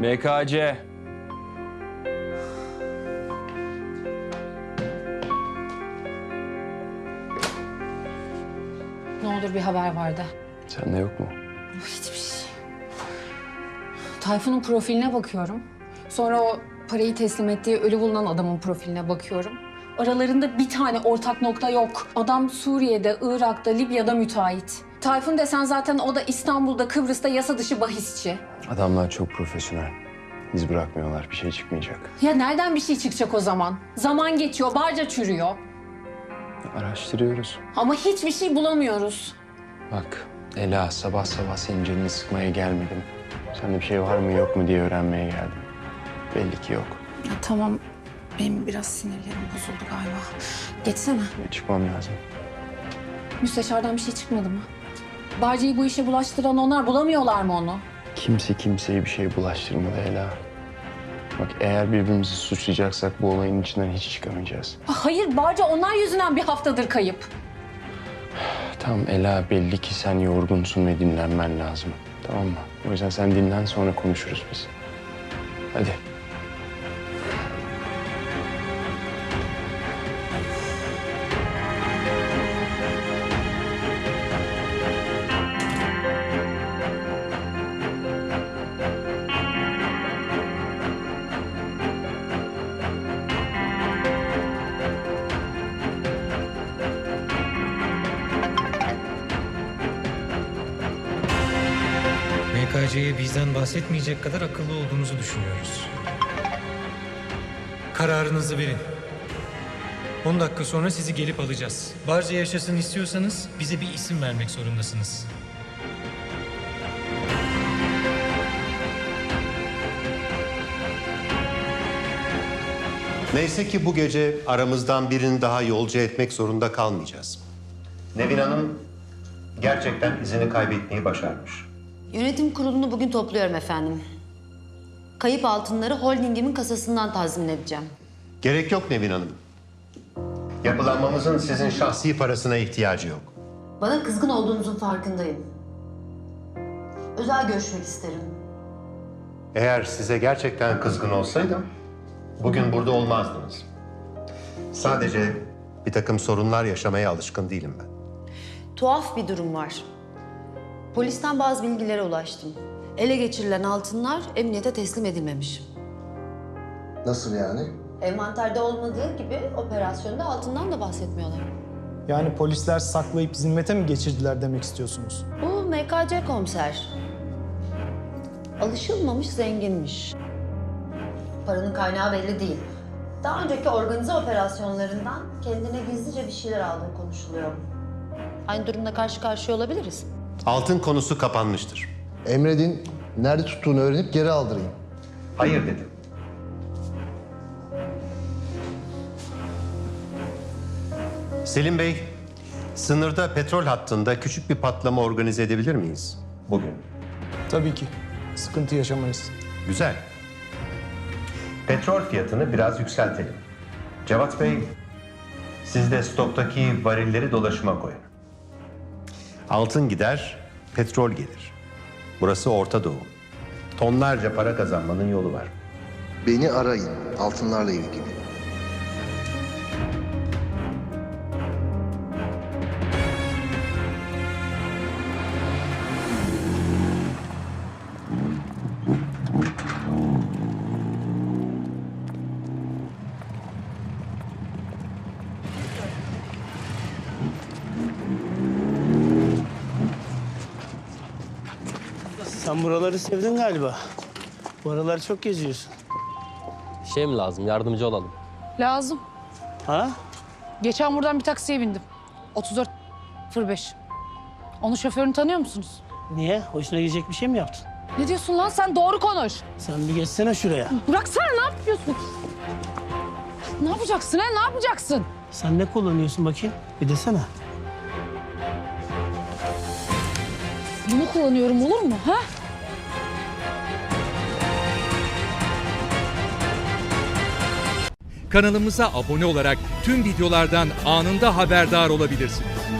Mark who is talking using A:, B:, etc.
A: MKC.
B: Ne olur bir haber vardı.
A: Sende yok mu?
B: Hiçbir şey. Tayfun'un profiline bakıyorum. Sonra o parayı teslim ettiği ölü bulunan adamın profiline bakıyorum. Aralarında bir tane ortak nokta yok. Adam Suriye'de, Irak'ta, Libya'da müteahhit. Tayfun desen zaten o da İstanbul'da, Kıbrıs'ta yasa dışı bahisçi.
A: Adamlar çok profesyonel. İz bırakmıyorlar. Bir şey çıkmayacak.
B: Ya nereden bir şey çıkacak o zaman? Zaman geçiyor, barca çürüyor.
A: Araştırıyoruz.
B: Ama hiçbir şey bulamıyoruz.
A: Bak Ela, sabah sabah senin canını sıkmaya gelmedim. Sende bir şey var mı yok mu diye öğrenmeye geldim. Belli ki yok.
B: Ya tamam, benim biraz sinirlerim bozuldu galiba. Geçsene.
A: Çıkmam lazım.
B: Müsteşardan bir şey çıkmadı mı? Barca'yı bu işe bulaştıran onlar, bulamıyorlar mı onu?
A: Kimse kimseye bir şey bulaştırmadı Ela. Bak eğer birbirimizi suçlayacaksak bu olayın içinden hiç çıkamayacağız.
B: Hayır, Barca onlar yüzünden bir haftadır kayıp.
A: Tamam Ela, belli ki sen yorgunsun ve dinlenmen lazım. Tamam mı? O yüzden sen dinlen, sonra konuşuruz biz. Hadi.
C: MKC'ye bizden bahsetmeyecek kadar akıllı olduğunuzu düşünüyoruz. Kararınızı verin. 10 dakika sonra sizi gelip alacağız. Barca yaşasın istiyorsanız bize bir isim vermek zorundasınız.
D: Neyse ki bu gece aramızdan birini daha yolcu etmek zorunda kalmayacağız. Nevin Hanım gerçekten izini kaybetmeyi başarmış.
E: Yönetim kurulunu bugün topluyorum efendim. Kayıp altınları holdingimin kasasından tazmin edeceğim.
D: Gerek yok Nevin Hanım. Yapılanmamızın sizin şahsi parasına ihtiyacı yok.
E: Bana kızgın olduğunuzun farkındayım. Özel görüşmek isterim.
D: Eğer size gerçekten kızgın olsaydım bugün burada olmazdınız. Sadece bir takım sorunlar yaşamaya alışkın değilim ben.
E: Tuhaf bir durum var. Polisten bazı bilgilere ulaştım. Ele geçirilen altınlar emniyete teslim edilmemiş.
F: Nasıl yani?
E: Envanterde olmadığı gibi operasyonda altından da bahsetmiyorlar.
G: Yani polisler saklayıp zimmete mi geçirdiler demek istiyorsunuz?
E: Bu MKC komiser. Alışılmamış zenginmiş. Paranın kaynağı belli değil. Daha önceki organize operasyonlarından kendine gizlice bir şeyler aldığı konuşuluyor. Aynı durumla karşı karşıya olabiliriz.
D: Altın konusu kapanmıştır.
F: Emredin, nerede tuttuğunu öğrenip geri aldırayım.
D: Hayır dedim. Selim Bey, sınırda petrol hattında küçük bir patlama organize edebilir miyiz bugün?
G: Tabii ki. Sıkıntı yaşamayız.
D: Güzel. Petrol fiyatını biraz yükseltelim. Cevat Bey, siz de stoktaki varilleri dolaşıma koyun. Altın gider, petrol gelir. Burası Orta Doğu. Tonlarca para kazanmanın yolu var.
F: Beni arayın, altınlarla ilgili.
H: Sen buraları sevdin galiba. Bu aralar çok geziyorsun.
I: Şey mi lazım? Yardımcı olalım.
J: Lazım.
H: Ha?
J: Geçen buradan bir taksiye bindim. 34.05. Onun şoförünü tanıyor musunuz?
H: Niye? Hoşuna gidecek bir şey mi yaptın?
J: Ne diyorsun lan sen? Doğru konuş.
H: Sen bir geçsene şuraya.
J: Bıraksana, ne yapıyorsun? Ne yapacaksın ha? Ne yapacaksın?
H: Sen ne kullanıyorsun bakayım? Bir desene.
J: Bunu kullanıyorum, olur mu ha?
K: Kanalımıza abone olarak tüm videolardan anında haberdar olabilirsiniz.